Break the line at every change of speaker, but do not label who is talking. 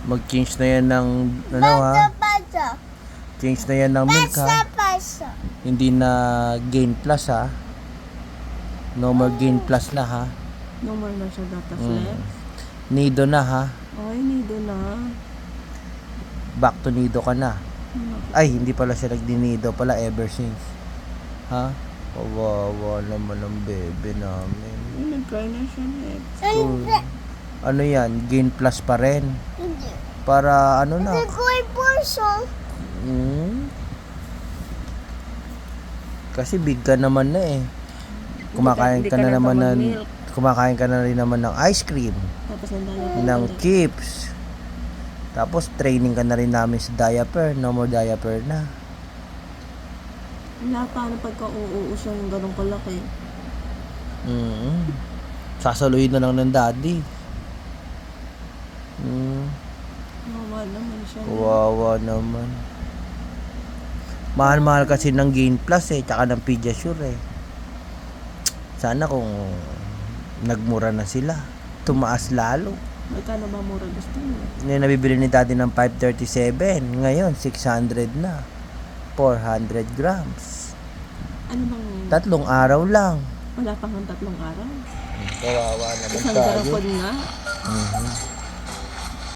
Mag-change na yan ng, ano ha? Change na yan ng milk ha? Hindi na Gain Plus ha? No more Gain Plus na ha?
No more na siya data flex.
Nido na ha?
Ay, nido na.
Back to Nido ka na. Ay, hindi pala siya nagdinido pala ever since. Ha? Kawawa naman ang bebe namin.
Ay, nag-try na siya next.
Ano yan? Gain Plus pa rin? Para ano na? Kasi big ka naman na eh. Kumakain ka na naman ng, kumakain ka na rin naman ng ice cream,
Tapos nandala
ng chips. Tapos training ka na rin namin sa diaper. No more diaper na.
Wala pa na pagka-uuus yung ganun kalaki.
Sasaluhin na lang ng daddy.
Wawa naman siya.
Kawawa naman. Mahal-mahal kasi ng Gain Plus eh, tsaka ng Pediasure eh. Sana kung nagmura na sila, tumaas lalo.
Magkano ba mura gusto mo?
Yung nabibili ni daddy ng 537, ngayon 600 na. 400 grams.
Ano bang...
3 araw lang.
Wala pang 3 araw.
Kawawa naman
Isang
tayo.
garapon nga.